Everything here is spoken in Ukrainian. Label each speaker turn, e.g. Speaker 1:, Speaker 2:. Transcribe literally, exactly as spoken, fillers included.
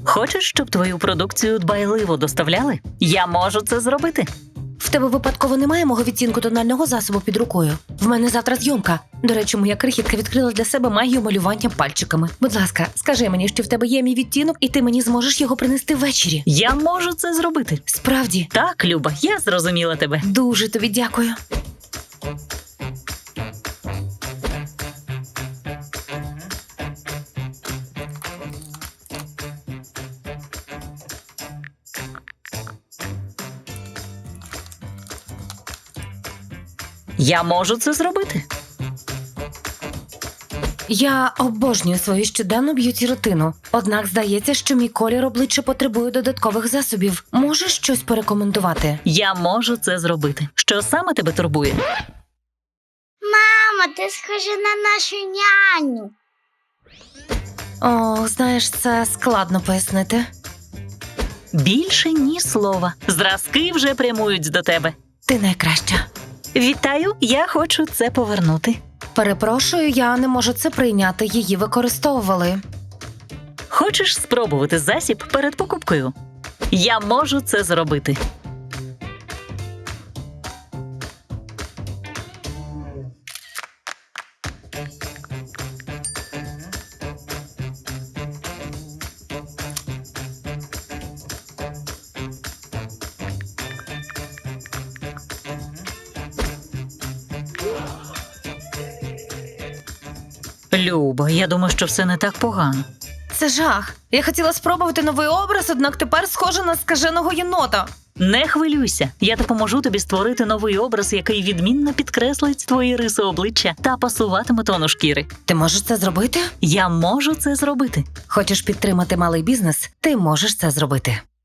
Speaker 1: Хочеш, щоб твою продукцію дбайливо доставляли? Я можу це зробити.
Speaker 2: В тебе випадково немає мого відтінку тонального засобу під рукою? В мене завтра зйомка. До речі, моя крихітка відкрила для себе магію малювання пальчиками. Будь ласка, скажи мені, що в тебе є мій відтінок, і ти мені зможеш його принести ввечері.
Speaker 1: Я можу це зробити.
Speaker 2: Справді?
Speaker 1: Так, Люба, я зрозуміла тебе.
Speaker 2: Дуже тобі дякую.
Speaker 1: Я можу це зробити.
Speaker 2: Я обожнюю свою щоденну б'юті-рутину. Однак здається, що мій колір обличчя потребує додаткових засобів. Можеш щось порекомендувати?
Speaker 1: Я можу це зробити. Що саме тебе турбує?
Speaker 3: Мамо, ти схожа на нашу няню.
Speaker 2: О, знаєш, це складно пояснити.
Speaker 1: Більше ні слова. Зразки вже прямують до тебе.
Speaker 2: Ти найкраща.
Speaker 1: Вітаю, я хочу це повернути.
Speaker 2: Перепрошую, я не можу це прийняти. Її використовували.
Speaker 1: Хочеш спробувати засіб перед покупкою? Я можу це зробити. Люба, я думаю, що все не так погано.
Speaker 2: Це жах. Я хотіла спробувати новий образ, однак тепер схожа на скаженого єнота.
Speaker 1: Не хвилюйся, я допоможу тобі створити новий образ, який відмінно підкреслить твої риси обличчя та пасуватиме тону шкіри.
Speaker 2: Ти можеш це зробити?
Speaker 1: Я можу це зробити.
Speaker 2: Хочеш підтримати малий бізнес? Ти можеш це зробити.